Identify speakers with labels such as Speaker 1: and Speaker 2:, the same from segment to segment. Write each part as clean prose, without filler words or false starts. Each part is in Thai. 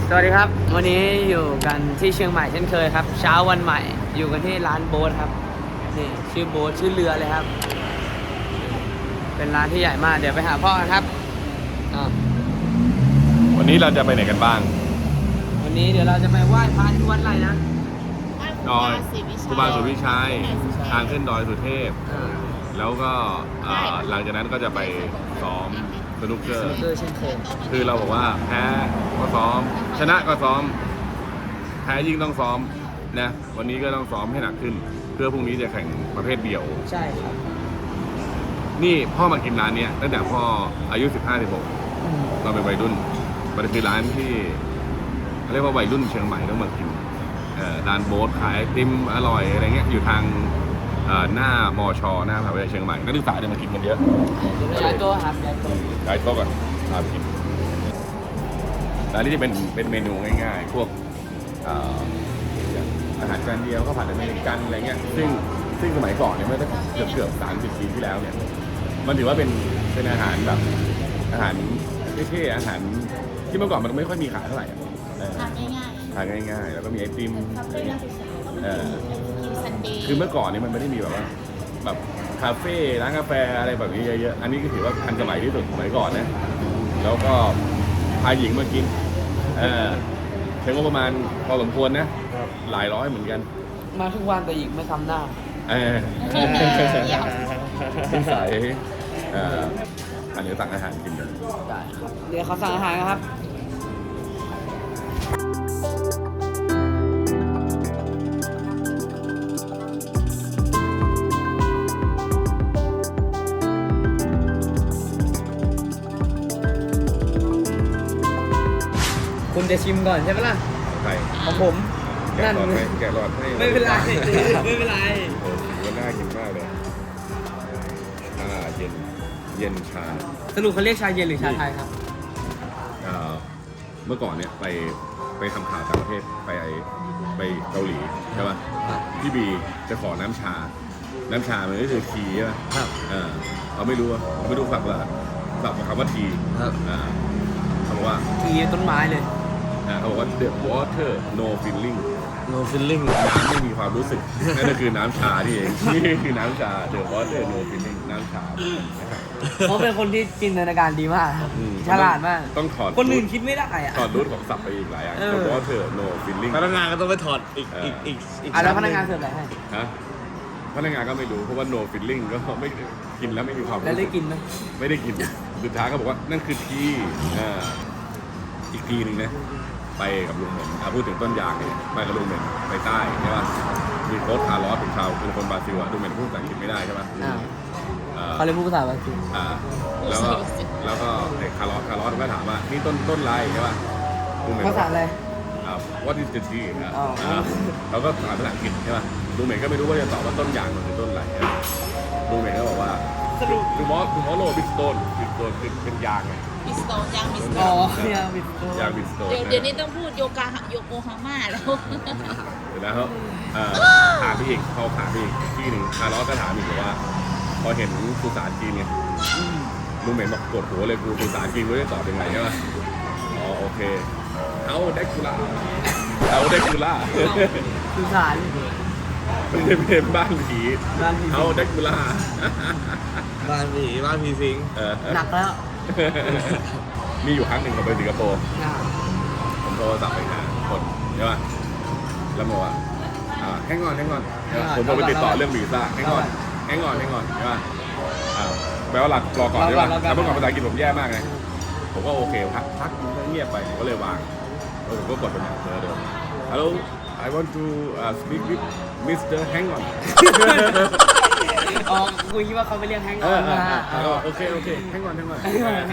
Speaker 1: สวัสดีครับวันนี้อยู่กันที่เชียงใหม่เช่นเคยครับเช้าวันใหม่อยู่กันที่ร้านโบ๊ทครับนี่ชื่อโบ๊ทชื่อเรือเลยครับเป็นร้านที่ใหญ่มากเดี๋ยวไปหาพ่อกันครับ
Speaker 2: วันนี้เราจะไปไหนกันบ้าง
Speaker 1: วันนี้เดี๋ยวเราจะไปไหว้พระที่วัดอะไรนะ
Speaker 2: ดอยครูบาศรีวิชัยทางขึ้นดอยสุเทพแล้วก็หลังจากนั้นก็จะไปซ้อมสนุกเกอร์
Speaker 1: เช่นเคย
Speaker 2: คือเราบอกว่าแพ้ก็ซ้อมชนะก็ซ้อมแพ้ยิ่งต้องซ้อมนะวันนี้ก็ต้องซ้อมให้หนักขึ้นเพื่อพรุ่งนี้จะแข่งประเภทเดี่ยว
Speaker 1: ใช่ครับ
Speaker 2: นี่พ่อมากินร้านนี้ตั้งแต่พ่ออายุ15-16เราเป็นวัยรุ่นมันคือร้านที่เรียกว่าวัยรุ่นเชียงใหม่ต้องมากินร้านโบ๊ทขายไอติมอร่อยอะไรเงี้ยอยู่ทางหน้ามชหน้ามหาวิทยาลัยเชียงใหม่นักศึกษาเนี่ยมากินกันเยอะ
Speaker 1: ย้ายโต๊ะครับ
Speaker 2: ย้ายโต๊ะก่อนพาไปกินร้านนี้จะเป็นเมนูง่ายๆพวกอาหารจานเดียวข้าวผัดอเมริกันอะไรเงี้ยซึ่งสมัยก่อนเนี่ยเมื่อเกือบ30 ปีที่แล้วเนี่ยมันถือว่าเป็นอาหารแบบอาหารเท่ๆอาหารที่เมื่อก่อนมันไม่ค่อยมีขายเท่าไหร่ทานง่ายๆแล้วก็มีไอติมคือเมื่อก่อนนี่มันไม่ได้มีแบบว่าแบบคาเฟ่ร้านกาแฟอะไรแบบนี้เยอะๆอันนี้ก็ถือว่าทันสมัยที่สุดสมัยก่อนนะแล้วก็พาหญิงมากินใช้งบประมาณพอสมควรนะหลายร้อยเหมือนกัน
Speaker 1: มาทุกวันแต่หญิงไม่ทำหน้า
Speaker 2: ใส่อันนี้สั่งอาหารกินกัน
Speaker 1: ได้ครับเดี๋ยวเขาสั่งอาหารครับคุณจะชิมก่อนใช่ไหมล่ะ
Speaker 2: ใช่
Speaker 1: ของผม
Speaker 2: นั่นแกะหลอดให้
Speaker 1: ไม่เป็นไรไม่เป็นไร
Speaker 2: มันน่ากินมากเลยชาเย็นชา
Speaker 1: สรุปเขาเรียกชาเย็นหรือชาไทยครับ
Speaker 2: เมื่อก่อนเนี่ยไปทำข่าวต่างประเทศไปเกาหลีใช่ป่ะพี่บีจะขอน้ำชามันก็คือทีใช่ป่ะเราไม่รู้ฝักคำว่าทีเขาบอกว่า
Speaker 1: ทีต้นไม้เลย
Speaker 2: เขาบอกว่า the water no feeling
Speaker 1: น้
Speaker 2: ำไม่มีความรู้สึกนั่นก็คือน้ำชาที่เองนี่คือน้ำชา the water no feeling น้ำชา
Speaker 1: เขาเป็นคนที่จินตนาการดีมากฉลาดมาก
Speaker 2: ต้องถอด
Speaker 1: คนอื่นคิดไม่ได้อ่ะ
Speaker 2: ถอดรูทของศัพท์ไปอีกหลายอย่าง the water no feeling
Speaker 3: พนักงานก็ต้องไปถอดอีก
Speaker 1: แล้วพนักงานเสิร์ฟอะไรให้
Speaker 2: พนักงานก็ไม่รู้เพราะว่า no feeling ก็ไม่กินแล้วไม่มีความรู้สึก
Speaker 1: แล้วได้กินไหม
Speaker 2: ไม่ได้กินสุดท้ายก็บอกว่านั่นคือทีอีกทีนึงนะไปกับลุงเหม็นพูดถึงต้นยางเนี่ยไปกับลุงเหม็นไปใต้ใช่ป่ะมีโค้ชคาร์ลอสเป็นคนบราซิลลุงเหม็นพูดภาษาอังกฤษไม่ได้ใช่ป่ะ
Speaker 1: เขาเลยพูดภาษาบราซิล
Speaker 2: แล้วก็ไอ้คาร์ลอสก็ถามว่านี่ต้นไรใช่ป่ะลุงเหม็น
Speaker 1: ภาษาอะไร
Speaker 2: what is the tree เราก็ถามภาษาอังกฤษใช่ป่ะลุงเหม็นก็ไม่รู้ว่าจะตอบว่าต้นยางมันคือต้นอะไรลุงเหม็นก็บอกว่าtomorrow big stone คือเป็นยางไง
Speaker 4: บิสโตนยางบิสโตน
Speaker 1: ยางบิสโตน
Speaker 4: เดี๋ยวนี้ต้องพูดโยโกฮาม่าแล้ว
Speaker 2: เดี๋ยวแล้วถามพี่อีกเขาถามพี่อีกที่หนึ่งคาร์ลอสก็ถามอีกว่าพอเห็นภาษาจีนเนี่ยลุงเหม็นบอกปวดหัวเลยกูภาษาจีนรู้จะตอบยังไงใช่ไหมโอเคเอาเด็กกุล่า
Speaker 1: สื่อสาร
Speaker 2: เป็นบ้านผีเอาเด็กกุล่า
Speaker 3: บ้านผีสิง
Speaker 1: หนักแล้ว
Speaker 2: มีอยู่ครั้งหนึ่งเราไปสิงคโปร์ผมโทรศัพท์ไปหาคนใช่ป่ะแล้วบอกว่าแห้งอนผมโทรไปติดต่อเรื่องวีซ่าแห้งอนใช่ป่ะแปลว่าหลักรอก่อนใช่ป่ะแต่เมื่อก่อนภาษาอังกฤษผมแย่มากไงผมก็โอเคพักเงียบไปก็เลยวางผมก็กดเป็นเดิม Hello I want to speak with Mr. Hang on
Speaker 1: คุยว่าเขาไปเรียกแฮงออนมา
Speaker 2: โอเคแฮงออนโอเค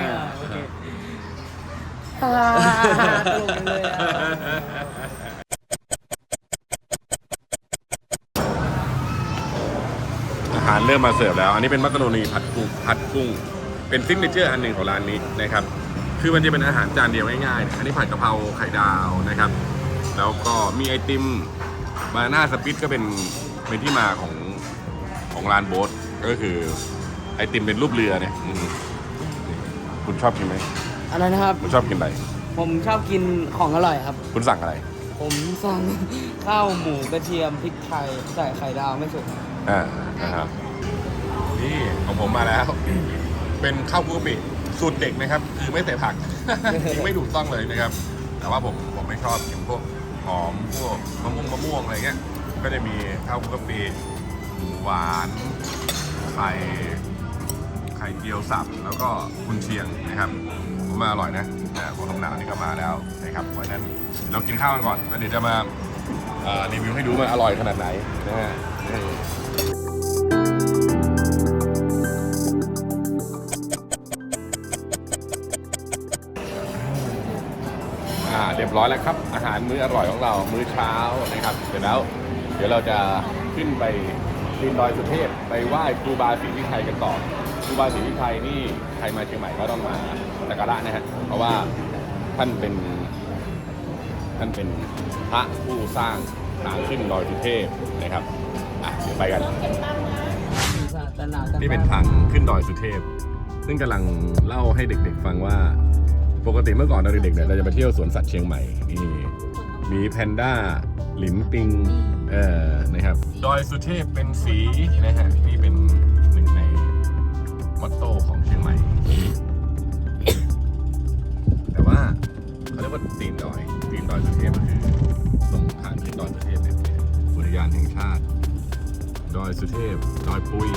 Speaker 1: ตลกเลย
Speaker 2: อาหารเริ่มมาเสิร์ฟแล้วอันนี้เป็นมักกะโรนีผัดกุ้งเป็นซิกเนเจอร์อันหนึ่งของร้านนี้นะครับคือมันจะเป็นอาหารจานเดียวง่ายๆอันนี้ผัดกะเพราไข่ดาวนะครับแล้วก็มีไอติมบานาน่าสปิตก็เป็นที่มาของร้านโบ๊ทก็คือไอติมเป็นรูปเรือเนี่ยคุณชอบกินไหม
Speaker 1: อะไรนะครับ
Speaker 2: คุณชอบกินอะไร
Speaker 1: ผมชอบกินของอร่อยครับ
Speaker 2: คุณสั่งอะไร
Speaker 1: ผมสั่ง ข้าวหมูกระเทียมพริกไทยใส่ไข่ดาวไม่สุก
Speaker 2: นะครับนี่ของผมมาแล้ว เป็นข้าวคลุกกะปิสูตรเด็กนะครับ คือไม่ใส่ผัก ไม่ถูกต้องเลยนะครับ แต่ว่าผมไม่ชอบกินพวกหอมพวกมะม่วงอะไรเงี้ยก็จะมีข้าวคลุกกะปิหมูหวานไข่เจียวสับแล้วก็กุนเชียงนะครับผมมาอร่อยนะของน้ำหนาวนี่ก็มาแล้วนะครับเพราะฉะนั้นเรากินข้าวกันก่อนแล้วเดี๋ยวจะมารีวิวให้ดูมันอร่อยขนาดไหนนะฮะเรียบร้อยแล้วครับอาหารมื้ออร่อยของเรามื้อเช้านะครับเสร็จแล้วเดี๋ยวเราจะขึ้นไปปีนดอยสุเทพไปไหว้ครูบาศรีวิชัยกันต่อครูบาศรีวิชัยนี่ใครมาเชียงใหม่ก็ต้องมาสักการะนะฮะเพราะว่าท่านเป็นพระผู้สร้างทางขึ้นดอยสุเทพนะครับเดี๋ยวไปกันนี่เป็นทางขึ้นดอยสุเทพซึ่งกำลังเล่าให้เด็กๆฟังว่าปกติเมื่อก่อนเราเด็กๆเนี่ยเราจะไปเที่ยวสวนสัตว์เชียงใหม่นี่มีแพนด้าหลินปิงนะครับดอยสุเทพเป็นสีนะฮะนี่เป็นหนึ่งในมอตโต้ของเชียงใหม่ แต่ว่าเขาเรียกว่าตีนดอยสุเทพก็คือตรงทางขึ้นดอยสุเทพเนี่ยอุทยานแห่งชาติดอยสุเทพดอยปุย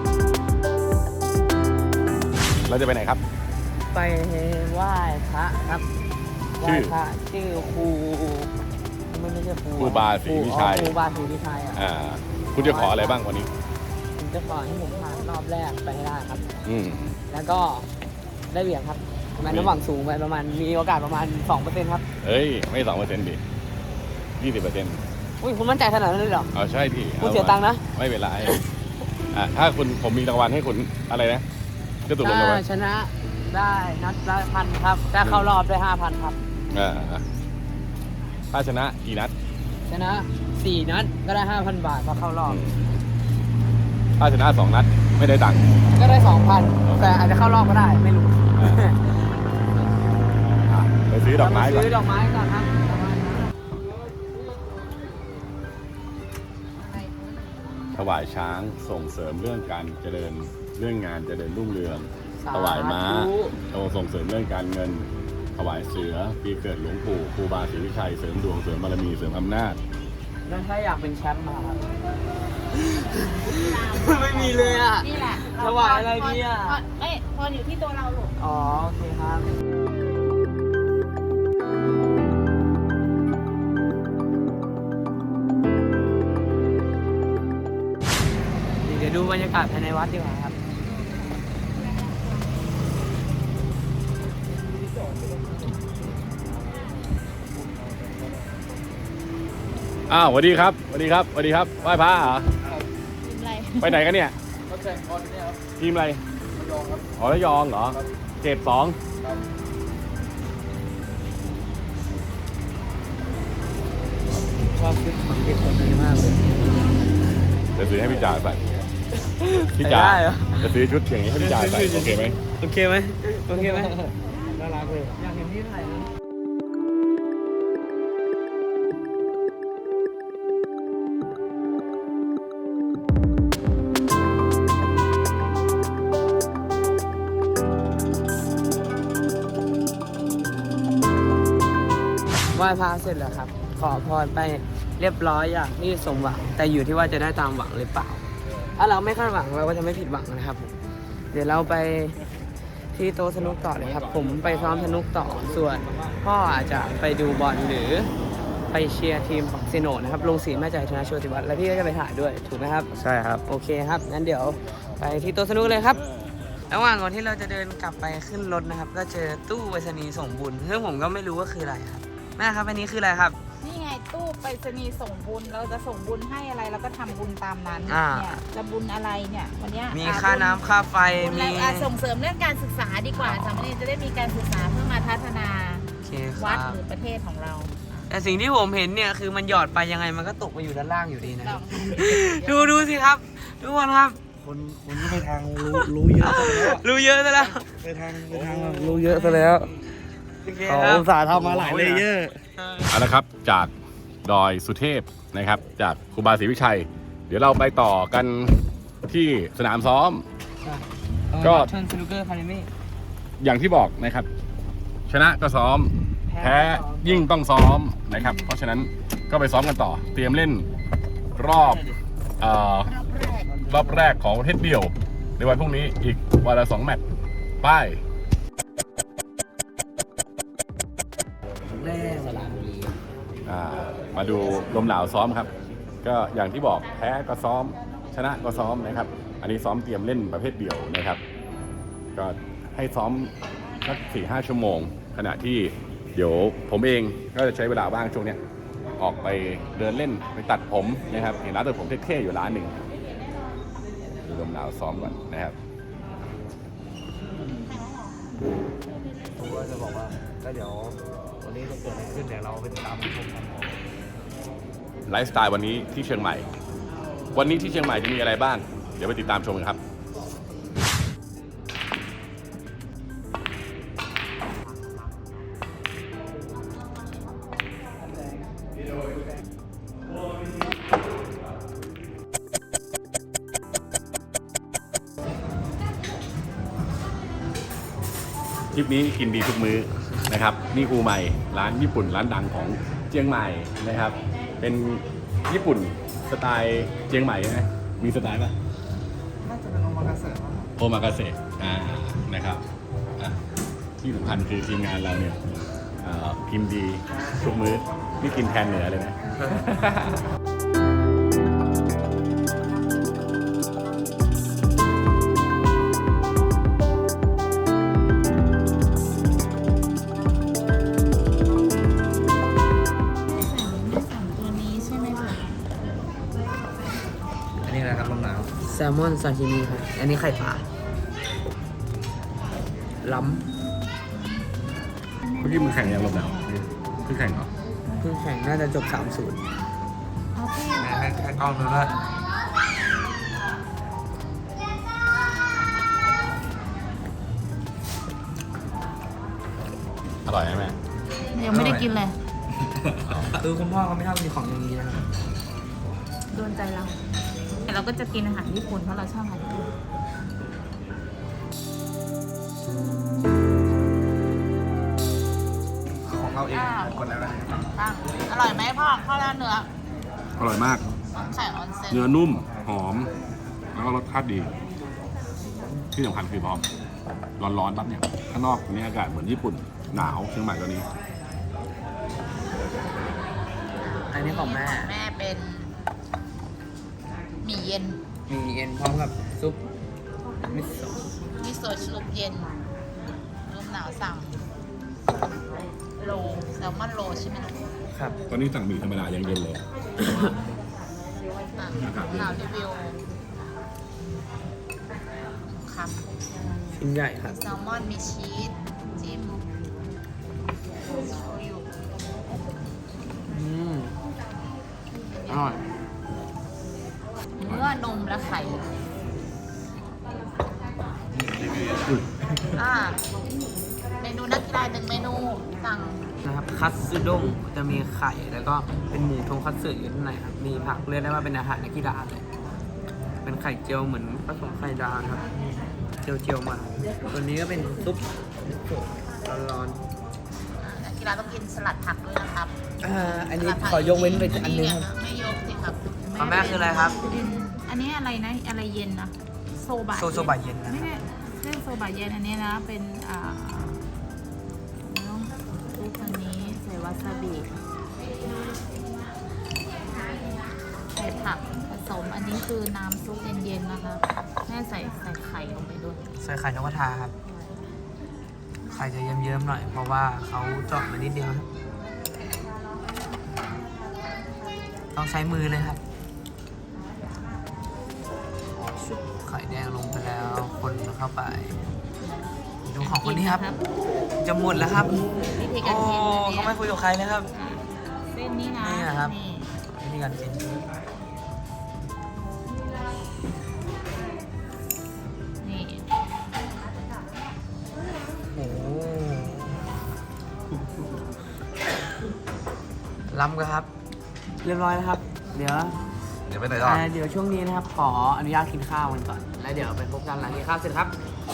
Speaker 2: เราจะไปไหนครับ
Speaker 1: ไปไหว้พระครับไหว้พระชื่อครูไม่ใช่ครู
Speaker 2: บาศรีวิชัย
Speaker 1: ครูบาศรีวิชัย
Speaker 2: คุณจะขออะไรบ้างวันนี้
Speaker 1: ผมจะขอให้ผมผ่านรอบแรกไปให้ได้ครับแล้วก็ได้เหรียญครับมันน้ำหวังสูงไปประมาณมีโอกาสประมาณ 2% ครับ
Speaker 2: เฮ้ยไม่ 2% ดิ 20%
Speaker 1: อุ้ยคุณมั่นใจขนาดนั้นเลยเหรอ
Speaker 2: ใช่ดิ
Speaker 1: คุณเสียตังค์นะ
Speaker 2: ไม่เป็นไรถ้าผมมีรางวัลให้คุณอะไรนะจะถูกรางวัล
Speaker 1: ชนะได้นัดละ1,000ครับถ้าเข้ารอบได้ 5,000 ครับ
Speaker 2: ถ้าชนะกี่นัด
Speaker 1: ชนะ4 นัดก็ได้ 5,000 บาทพอเข้ารอบ
Speaker 2: ถ้าชนะ2 นัดไม่ได้ตังค์
Speaker 1: ก็ได้ 2,000 แต่อาจจะเข้ารอบก็ได้ไม่รู้
Speaker 2: ไปซื้อดอกไม้ก่อน
Speaker 1: ครับ
Speaker 2: ถวายช้างส่งเสริมเรื่องการเจริญเรื่องงานเจริญรุ่งเรืองถวายม้าส่งเสริมเรื่องการเงินถวายเสือปีเกิดหลวงปู่ครูบาศรีวิชัยเสริมดวงเสริมบารมีเสริมอำนาจ
Speaker 1: แล้วถ้าอยากเป็นแชมป์มาครับไม่มีเลยอ่ะ
Speaker 4: นี่แหละ
Speaker 1: ถวายอะไรดีอ่ะ
Speaker 4: พออยู่ที่ตัวเราลูก
Speaker 1: อ๋อโอเคครับเดี๋ยวดูบรรยากาศภายในวัดดีกว่าครับ
Speaker 2: สวัสดีครับไหว้พระเหรอไปไหนกันเนี่ยทีมอะไรระยองเหรอเขต 2
Speaker 1: ชอบชุดของเด็กคนนี้มากเลย
Speaker 2: จะซื้อให้พี่จ่าใส่พี่จ่าจะซื้อชุดอย่างนี้ให้พี่จ่าใส่โอเคไหม
Speaker 1: น่ารักเลยอยากเห็นที่ถ่ายนะไหว้พระเสร็จแล้วครับขอพรไปเรียบร้อยอย่างที่สมหวังแต่อยู่ที่ว่าจะได้ตามหวังหรือเปล่าถ้าเราไม่คาดหวังเราก็จะไม่ผิดหวังนะครับเดี๋ยวเราไปที่โต๊ะสนุกต่อเลยครับผมไปซ้อมสนุกต่อส่วนพ่ออาจจะไปดูบอลหรือไปเชียร์ทีมของเซโนนะครับลงสีแม่ใจชนะโชติวัฒน์และพี่ก็จะไปถ่ายด้วยถูกไหมครับ
Speaker 2: ใช่ครับ
Speaker 1: โอเคครับงั้นเดี๋ยวไปที่โต๊ะสนุกเลยครับระหว่างก่อนที่เราจะเดินกลับไปขึ้นรถนะครับก็เจอตู้ไปรษณีย์ส่งบุญซึ่งผมก็ไม่รู้ว่าคืออะไรครับแม่ครับอันนี้คืออะไรครับ
Speaker 4: นี่ไงตู้ไปรษณีย์ส่งบุญเราจะส่งบุญให้อะไรเราก็ทำบุญตามนั้นเนี่ยจะบุญอะไรเนี่ยวันนี้
Speaker 1: มีค่าน้ำค่าไฟ
Speaker 4: มีส่งเสริมเรื่องการศึกษาดีกว่าสามเณรจะได้มีการศึกษาเพื่อมาพัฒนาวัดหรือประเทศของเรา
Speaker 1: แต่สิ่งที่ผมเห็นเนี่ยคือมันหยอดไปยังไงมันก็ตกมาอยู่ด้านล่างอยู่ดีนะดูสิครับทุกคนครับ
Speaker 3: คนที่ไปทางรู้เยอะซะแล้ว
Speaker 1: รู้เยอะซะแล้ว
Speaker 3: ไปทางรู้เยอะซะแล้วเขาอุตส่าห์ทำมาหลายเลเยอร์
Speaker 2: เอาละครับจากดอยสุเทพนะครับ จากครูบาศรีวิชัย เดี๋ยวเราไปต่อกันที่สนามซ้อม ก็
Speaker 1: ชนสนุกเกอร์คาเดมี่
Speaker 2: อย่างที่บอกนะครับ ชนะก็ซ้อม แพ้ยิ่งต้องซ้อมนะครับ เพราะฉะนั้นก็ไปซ้อมกันต่อ เตรียมเล่นรอบรอบแรกของประเภทเดี่ยว ในวันพรุ่งนี้อีกวันละ2 แมตช์ไป
Speaker 1: แน่สระบุรี
Speaker 2: มาดูลมหนาวซ้อมครับ ก็อย่างที่บอกแพ้ก็ซ้อม ชนะก็ซ้อมนะครับ อันนี้ซ้อมเตรียมเล่นประเภทเดี่ยวนะครับ ก็ให้ซ้อมสัก 4-5 ชั่วโมง ขณะที่เดี๋ยวผมเองก็จะใช้เวลาว่างช่วงนี้ออกไปเดินเล่นไปตัดผมนะครับเห็นร้านตัดผมเท่ๆอยู่ร้านหนึ่งดูลมหนาวซ้อมก่อนนะครับ
Speaker 3: ผมก็จะบอกว่าก็เดี๋ยววันนี้จะเกิดอะไรขึ้นเดี๋ยวเราไปติดตามชมกัน
Speaker 2: ไลฟ์สไตล์วันนี้ที่เชียงใหม่ วันนี้ที่เชียงใหม่จะมีอะไรบ้าง เดี๋ยวไปติดตามชมกันครับ ทริปนี้กินดีทุกมื้อนะครับ นี่อูใหม่ร้านญี่ปุ่นร้านดังของเชียงใหม่นะครับ เป็นญี่ปุ่นสไตล์เชียงใหม่นะมีสไตล์ป่ะ
Speaker 3: น่าจะเป็นโอมากาเสะ
Speaker 2: โอมากาเสะนะครับที่สำคัญคือทีมงานเราเนี่ยกินดีทุกมื้อนี่กินแทนเหนือเลยนะ
Speaker 4: ตัวนี้ใช่ไหมคะ
Speaker 3: อันนี้นะครับลมหนาว
Speaker 1: แซลมอนซาชิมิครับ อันนี้ไข่ปลาล้
Speaker 2: เมื่อกี้มึงแข่งยังลมหนาวเพิ่งแข่งเหรอ
Speaker 1: ำเพิ่งแข่งน่าจะจบ 3-0
Speaker 4: เอาที่
Speaker 3: ให้กล้องดูด้วย
Speaker 2: อร่อยไหมแม่
Speaker 4: ยังไม่ได้กินเลย
Speaker 1: คือคุณพ่อเขาไม่ชอบกินของอย่างนี้นะครับ
Speaker 4: โดนใจเราแต่เราก็จะกินอาหารญี่ปุ่นเพราะเราชอบอาหารญี่ปุ่น
Speaker 3: ของเราเองคนแล้วนะ
Speaker 4: อร่อยไหมพ่อข้าวราดเนื้อ
Speaker 2: อร่อยมาก
Speaker 4: ไข่ออนเซ็น
Speaker 2: เนื้อนุ่มหอม แล้วก็รสชาติดี ที่สำคัญคือพอร้อนๆปั๊บเนี่ยข้างนอกนี่อากาศเหมือนญี่ปุ่นหนาวเชียงใหม่ตอนนี้
Speaker 1: อันนี้ของแม่
Speaker 4: แม่เป็นหมี่เย็น
Speaker 1: มีเอ็นพร้อมกับซุปมิโซะ
Speaker 4: มิโซะชุบเย็นลมหนาวสั่งโลแซลมอนโลใช่ไหมลูก
Speaker 1: ครับ
Speaker 2: ตอนนี้สั่งหมี่ธรรมดายังเย็นเลย
Speaker 4: อ่ะหนาวรีวิวครับ
Speaker 1: ชิ้นใหญ่ครับ
Speaker 4: แซลมอนมีชีสจิ้มโชยุ
Speaker 1: อร่อย
Speaker 4: เนื้อนมและไข่เมนูนักกีฬา1 เมนูสั่ง
Speaker 1: นะครับคัตสึด้งจะมีไข่แล้วก็เป็นหมูทงคัตสึอยู่ข้างในครับ มีผักเรียกได้ว่าเป็นอาหารนักกีฬาเลย เป็นไข่เจียวเหมือนผสมไข่ดาวนะครับ เจียวๆมาตัวนี้ก็เป็นซุปร้อน
Speaker 4: นักกีฬาต้องกินสลัดผักด้วยนะครับ
Speaker 1: ๆอันนี้ขอยกเว้นไปอันนึงครับ
Speaker 4: ไม่ยกสิครับ
Speaker 1: ของแม่คืออะไรครับ
Speaker 4: อันนี้อะไรนะอะไรเย็นนะโซบะ
Speaker 1: โซบะเย็นนะ
Speaker 4: ไม่ใช่เรื่องโซบะเย็นอันนี้นะเป็นต้องซุปอันนี้ใส่วาซาบิใส่ผักผสมอันนี้คือน้ำซุปเย็นๆนะคะแม่ใส่ไข่ลงไปด้วย
Speaker 1: ใส่ไข่นกกระทาครับ ไข่จะเยิ้มๆหน่อย เพราะว่าเขาเจาะมานิดเดียวครับ ต้องใช้มือเลยครับ ชุบไข่แดงลงไปแล้ว คนเข้าไป ดูของคนนี้ครับ จะหมดแล้วครับ
Speaker 4: วิธีกา
Speaker 1: โอ้
Speaker 4: รกิน
Speaker 1: เขาไม่คุยกับใครเลยครับ
Speaker 4: เส้นนี้นะ
Speaker 1: นี่นะครับ
Speaker 4: นี่
Speaker 1: วิธีการกิน
Speaker 4: นี่
Speaker 1: โอ้ล้ำกันครับ เรียบร้อยแล้วครับ เดี๋ยว
Speaker 3: ไปไหนต่อ
Speaker 1: เดี๋ยวช่วงนี้นะครับขออนุญาตกินข้าวกันก่อนแล้วเดี๋ยวไปพบกันหลังกินข้าวเสร็จครับ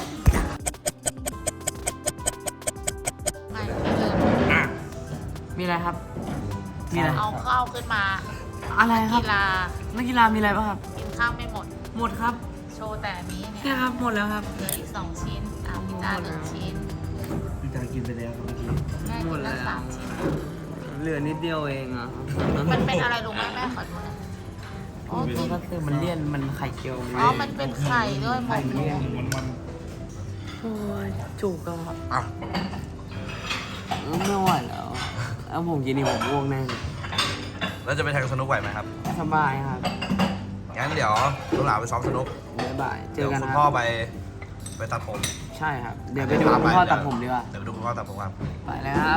Speaker 4: ไม่
Speaker 1: มีอะไรครับ มีอะไร
Speaker 4: เอาข้าวขึ้นมา
Speaker 1: อะไรครับ
Speaker 4: กีฬา
Speaker 1: นักกีฬามีอะไรบ้างครับ
Speaker 4: กินข้าวไม่หมด
Speaker 1: หมดครับ
Speaker 4: โชว์แต่อันนี้เนี่ย
Speaker 1: เนี่ยครับหมดแล้วครับ
Speaker 4: เหลืออีก2 ชิ้นพิซซ่า1 ชิ้น
Speaker 3: พี่จางกินไปแล้วครับเมื่อกี้
Speaker 4: แม่
Speaker 1: หม
Speaker 4: กิ
Speaker 1: ด
Speaker 4: น
Speaker 1: แล้
Speaker 4: แล้ว
Speaker 1: ว
Speaker 4: 3 ชิ้น
Speaker 1: เหลือนิดเดียวเองอ่ะ
Speaker 4: มันเป็นอะไรรู้ไหมแม่ขอดูหน่อยอ๋อจริง
Speaker 1: ก็คือมันเลี่ยนมันไข่เจียว
Speaker 4: อ๋อมันเป็นไข่ด้วยหมกหมู
Speaker 1: โอ้ยจุกอะครับ
Speaker 3: อ่ะ
Speaker 1: ไม่ไหวแล้วเอาผมกินนี่ผมง่วงแน่
Speaker 3: แล้วจะไปแทงสนุกไหวไหมครับ
Speaker 1: สบายครับ
Speaker 3: งั้นเดี๋ยวลูกหลานไปซ้อมสนุก
Speaker 1: บ๊ายบายเจ
Speaker 3: เดี๋ย
Speaker 1: อ
Speaker 3: ว
Speaker 1: กัน
Speaker 3: คุ
Speaker 1: นะ
Speaker 3: ณ
Speaker 1: ค
Speaker 3: พ่อ
Speaker 1: รับ
Speaker 3: ไปตัดผม
Speaker 1: ใช่ครับ เดี๋ยวไปดูคุณพ่อตัดผมดีกว่า
Speaker 3: เดี๋ยวไปดูคุณพ่อตัดผมครับ
Speaker 1: ไปแล้วครับ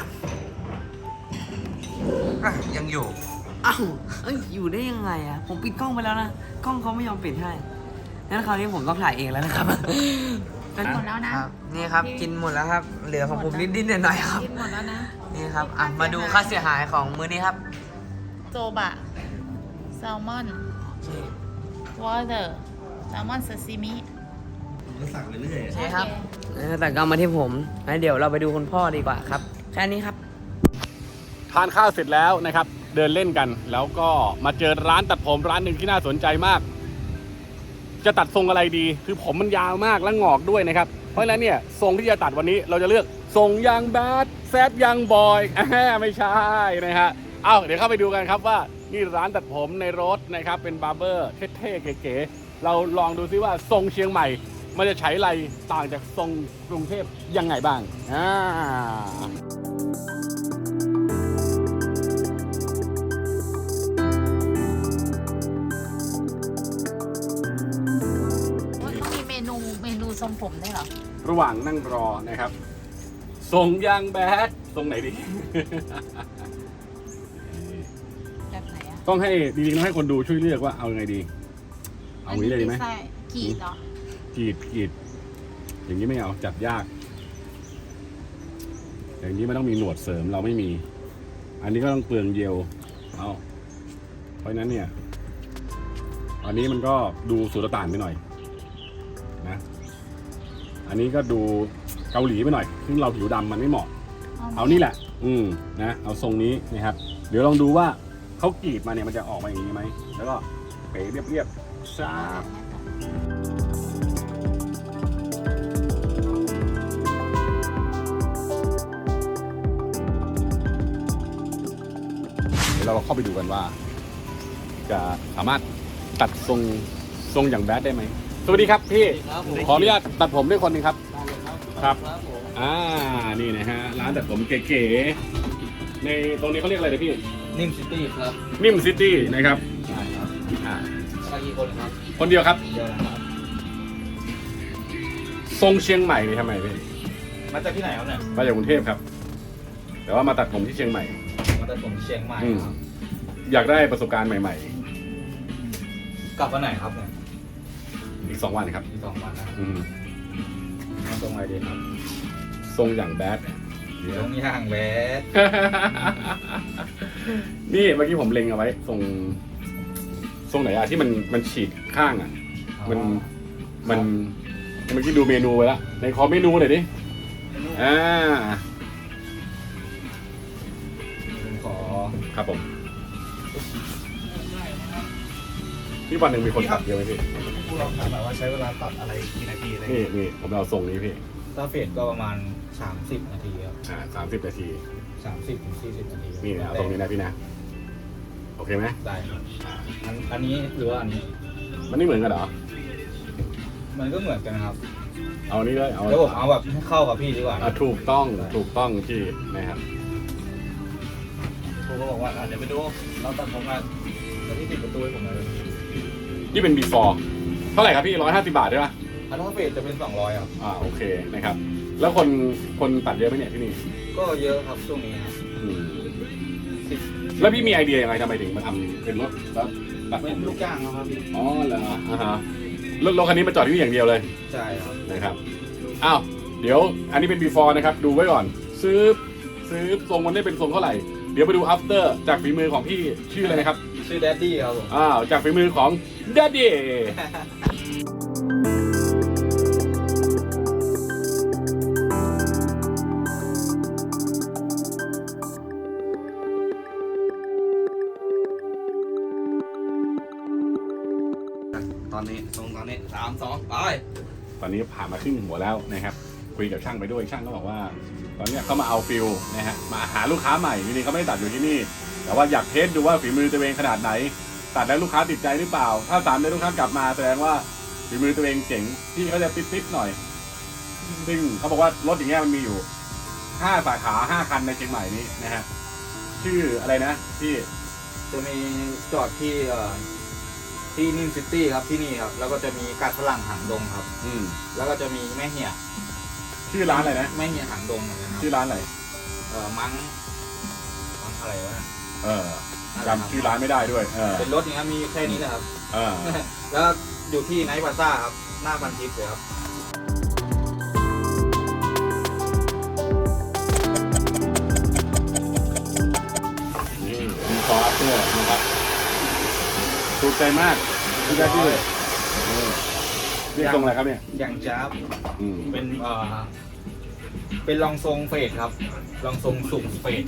Speaker 3: อ่ะยังอยู่
Speaker 1: อ้าวเอ้ยอยู่ได้ยังไงอะผมปิดกล้องไปแล้วนะ กล้องเขาไม่ยอมปิดให้งั้นคราวนี้ผมต้องถ่ายเองแล้วนะครับ
Speaker 4: หมดแล้วนะ
Speaker 1: ครับนี่ครับกินหมดแล้วครับ เหลือของผมนิดๆหน่อยๆครับ
Speaker 4: กินหมดแล้วนะ
Speaker 1: นี่ครับอ่ะมาดูค่าเสียหายของมื้อนี้ครับ
Speaker 4: โจบะแซลมอนวอเตอร์แซลมอนซาซิมิ
Speaker 3: ผมก็สั่งเรื่อย
Speaker 1: โอเคครับแต่ก็มาที่ผมงั้นเดี๋ยวเราไปดูคุณพ่อดีกว่าครับแค่นี้ครับ
Speaker 2: ทานข้าวเสร็จแล้วนะครับ เดินเล่นกัน แล้วก็มาเจอร้านตัดผมร้านหนึ่งที่น่าสนใจมาก จะตัดทรงอะไรดี คือผมมันยาวมากและงอกด้วยนะครับ เพราะฉะนั้นเนี่ยทรงที่จะตัดวันนี้เราจะเลือกทรงยังแบดแซดยังบอยไม่ใช่นะฮะเอาเดี๋ยวเข้าไปดูกันครับว่านี่ร้านตัดผมในรถนะครับเป็นบาร์เบอร์เท่ๆเก๋ๆเราลองดูซิว่าทรงเชียงใหม่ มันจะใช้อะไรต่างจากทรงกรุงเทพยังไงบ้าง
Speaker 4: ว่าเขามีเมนูทรงผมได้วยเหรอ
Speaker 2: ระหว่างนั่งรอนะครับทรงยางแบดทรงไหนดี
Speaker 4: แบบไหนอ่ะ
Speaker 2: ต้องให้จริงๆต้องให้คนดูช่วยเลือกว่าเอายังไงดี เอาอย่างนี้เลยดีไหม
Speaker 4: ใช่กีดเหรอก
Speaker 2: รีดอย่างนี้ไม่เอาจัดยาก อย่างนี้มันต้องมีหนวดเสริมเราไม่มี อันนี้ก็ต้องเปลืองเยลเอาเพราะฉะนั้นเนี่ยอันนี้มันก็ดูสุลต่านไปหน่อยนะอันนี้ก็ดูเกาหลีไปหน่อยซึ่งเราผิวดำมันไม่เหมาะเอานี่แหละนะเอาทรงนี้นะครับเดี๋ยวลองดูว่าเขากรีดมาเนี่ยมันจะออกมาอย่างนี้ไหมแล้วก็เป๋เรียบๆชาบเดี๋ยวเราเข้าไปดูกันว่า จะสามารถตัดทรงอย่างแบดได้ไหมสวัสดีครับพี่ขออนุญาตตัดผมด้วยคนหนึงครับครับนี่นะฮะร้านตัดผมเก๋ๆในตรงนี้เขาเรียกอะไรนะพี่
Speaker 3: นิ่มซิตี้ครับ
Speaker 2: นิ่มซิตี้นะครับ
Speaker 3: ใช่ครับ
Speaker 2: อ่า
Speaker 3: ใช่กี่คนครับ
Speaker 2: คนเดียวครับ
Speaker 3: เดียวนะครับ
Speaker 2: ทรงเชียงใหม่นี่ทำไมพี่
Speaker 3: มาจากที่ไหนครับเนี่ย
Speaker 2: มาจากกรุงเทพครับ แต่ว่ามาตัดผมที่เชียงใหม่
Speaker 3: มาจากผมเชียงใหม่ครับ
Speaker 2: อยากได้ประสบการณ์ใหม่
Speaker 3: กลับวันไหนครับเนี่ย
Speaker 2: ๆ อีก2 วันครับ
Speaker 3: อีก2 วันนะครับ
Speaker 2: อืม
Speaker 3: มาตรงไหนดีครับ
Speaker 2: ทรงอย่างแบด
Speaker 3: ตรงย่างแบด
Speaker 2: นี่เมื่อกี้ผมเล็งเอาไว้ทรงไหนอะที่มันฉีกข้างอะมันเมื่อกี้ดูเมนูไว้แล้วในขอเมนูหน่อยดิอ่า
Speaker 3: ผมขอ
Speaker 2: ครับผมนี่วันหนึ่งมีคนตัดเยอะไหมพี่
Speaker 3: ผู้ลองถามแบบว่าใช้เวลาตัดอะไรกี่นาทีอะไร
Speaker 2: นี่ผมเอาทรงนี้พี่
Speaker 3: ถ้าเฟดก็ประมาณ30 นาทีครับ
Speaker 2: 30 นาที
Speaker 3: 30 ถึง 40 นาที
Speaker 2: นี่นะเอาตรงนี้นะพี่นะโอเคไหม
Speaker 3: ได้ครับอันนี้หรือว่าอันนี้
Speaker 2: มันไม่เหมือนกันเหรอ
Speaker 3: มันก็เหมือนกันนะครับ
Speaker 2: เอานี้เลยเอา
Speaker 3: แล้วผมเอาแบบให้เข้ากับพี่ดีกว่า
Speaker 2: ถูกต้องพี่นะครับ
Speaker 3: ผมก็บอกว่าเดี๋ยวไปดูเราตัดผมกันแล้วพี่ติดประตูให้ผมหน่อย
Speaker 2: นี่เป็น before เท่าไหร่ครับพี่150 บาทใช่ปะ
Speaker 3: อันนั้นเฟดจะเป็น200ครับ
Speaker 2: โอเคนะครับ แล้วคนตัดเยอะไหมเนี่ยที่นี่
Speaker 3: ก็เยอะครับช่วงนี้ครับ
Speaker 2: อืมแล้วพี่มีไอเดียยังไงทำไมถึงมาทำเป็นรถแล้วตัด
Speaker 3: เป็นลูกจ้างครับพี่
Speaker 2: อ๋อเหรอรถคันนี้มาจอดที่นี่อย่างเดียวเลย
Speaker 3: ใช่ครับ
Speaker 2: นะครับอ้าวเดี๋ยวอันนี้เป็น before นะครับดูไว้ก่อนซื้อทรงมันได้เป็นทรงเท่าไหร่เดี๋ยวไปดู after จากฝีมือของพี่ชื่ออะไรนะครับ
Speaker 3: ชื่อแดดดี้ครับผม
Speaker 2: จากฝีมือของ Daddy
Speaker 3: ตอนนี้3 2 ไป
Speaker 2: ตอนนี้ผ่านมาครึ่งหัวแล้วนะครับคุยกับช่างไปด้วยช่างก็บอกว่า ตอนนี้เขามาเอาฟิลนะฮะมาหาลูกค้าใหม่จริงๆเขาไม่ได้ตัดอยู่ที่นี่ แต่ว่าอยากเทสดูว่าฝีมือตัวเองขนาดไหน ตัดแล้วลูกค้าติดใจหรือเปล่า ถ้า3 เดือนลูกค้ากลับมาแสดงว่าฝีมือตัวเองเจ๋งที่เขาจะติดๆหน่อย ซึ่งเขาบอกว่ารถอย่างเงี้ยมันมีอยู่5 สาขา5 คันในเชียงใหม่นี้นะฮะชื่ออะไรนะที่
Speaker 3: จะมีจอดที่นิมซิตี้ครับที่นี่ครับแล้วก็จะมีกาดฝรั่งหางดงครับแล้วก็จะมีแม่เหี่ย
Speaker 2: ชื่อร้านอะไรนะ
Speaker 3: แม่เหี่ยหางดงเหมือนกันครับ
Speaker 2: ชื่อร้านอะไร
Speaker 3: มั้งอะไรวะ
Speaker 2: จำชื่อร้านไม่ได้ด้วย
Speaker 3: เป็นรถอย่างนี้มีแค่นี้แหละครับ
Speaker 2: เ
Speaker 3: แล้วอยู่ที่ไนท์พลาซ่าครับหน้าพันทิพย์เลยครับ
Speaker 2: นี่มีคออัพเตอร์นะครับถูกใจมากถูกใจที่เลยนี่ทรงอะไรครับเนี่ย
Speaker 3: อย่างจ้าบ เป็นรองทรงเฟดครับรองทรงสูงเฟด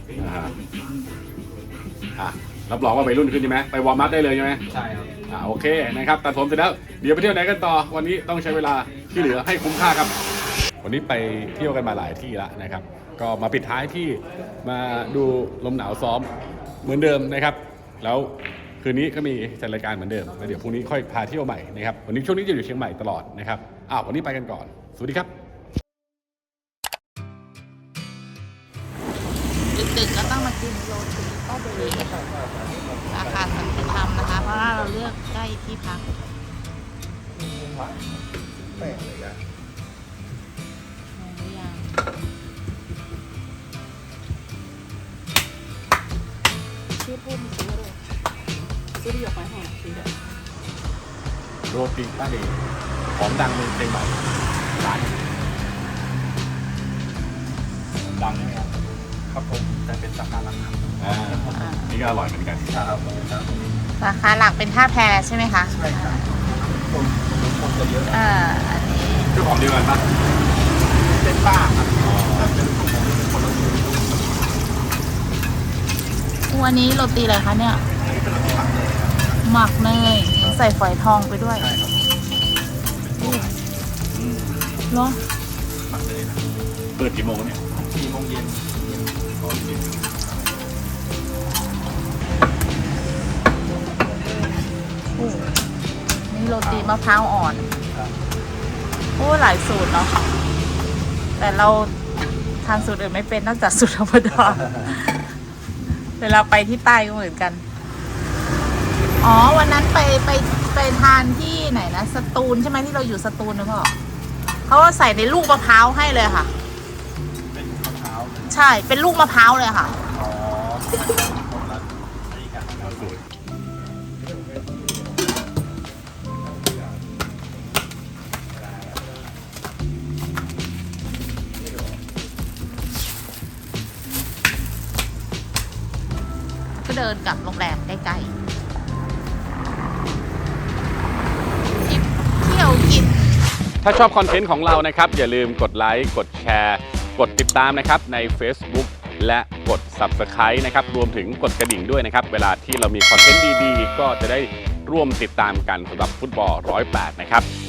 Speaker 2: รับรองว่าไปรุ่นขึ้นใช่ไหมไปวอร์มอัพได้เลยใช่ไหม
Speaker 3: ใช่ครับ
Speaker 2: โอเคนะครับตัดผมเสร็จแล้วเดี๋ยวไปเที่ยวไหนกันต่อวันนี้ต้องใช้เวลาที่เหลือให้คุ้มค่าครับ วันนี้ไปเที่ยวกันมาหลายที่แล้วนะครับก็มาปิดท้ายที่มาดูลมหนาวซ้อมเหมือนเดิมนะครับแล้วคืนนี้ก็มีจัดรายการเหมือนเดิมแล้วเดี๋ยวพรุ่งนี้ค่อยพาเที่ยวใหม่นะครับวันนี้ช่วงนี้จะอยู่เชียงใหม่ตลอดนะครับวันนี้ไปกันก่อนสวัสดีครับ
Speaker 4: ดึกๆก็ต้องมากินโรตีโต้เบรีราคาสันติธรรมนะคะ เพราะว่าเราเลือกใกล้ที่พักชื่อพุ่มซื้อหยกไม้หอมซื้อเด้อ
Speaker 2: โรตีป้าเดย์ของดังในเชียงใหม่ร้านดังนะครับ
Speaker 3: ครับผมจะเป็นสาขาหลักครับ
Speaker 2: นี่ก็อร่อยเหมือนกัน
Speaker 3: ครับ
Speaker 4: สาขาหลักเป็นท่าแพใช่ไหมคะ
Speaker 3: ใช่ครับคนจะเยอะ
Speaker 4: อันนี้
Speaker 2: เจ้าของเดียวกันปะ
Speaker 3: เป็นป้าครับแต่เป็นของผมเป็นคนละสูตร
Speaker 4: วันนี้โรตีอะไรคะเนี่ย หมักเนยใส่ฝอยทองไปด้วย
Speaker 3: ใช่ครับ
Speaker 4: เหรอ
Speaker 3: หมักเลยนะ
Speaker 2: เปิดกี่โมงเนี่ย
Speaker 3: 4 โมงเย็น
Speaker 4: นี่โรตีมะพร้าวอ่อนโอ้หลายสูตรเนาะแต่เราทานสูตรอื่นไม่เป็นนอกจากสูตรธรรมดาเวลาไปที่ใต้ก็เหมือนกันวันนั้นไปทานที่ไหนนะสตูลใช่ไหมที่เราอยู่สตูลนะพ่อเขาว่าใส่ในลูกมะพร้าวให้เลยค่ะ
Speaker 3: เป็นมะพร้าว
Speaker 4: ใช่เป็นลูกมะพร้าวเลยค่ะ
Speaker 3: คนละนี่กันครับ
Speaker 2: สูตร
Speaker 4: ก็เดินกลับโรงแรมใกล้ๆเที่ยวกิน
Speaker 2: ถ้าชอบคอนเทนต์ของเรานะครับอย่าลืมกดไลค์กดแชร์กดติดตามนะครับใน Facebook และกด Subscribe นะครับรวมถึงกดกระดิ่งด้วยนะครับเวลาที่เรามีคอนเทนต์ดีๆก็จะได้ร่วมติดตามกันสำหรับฟุตบอล108นะครับ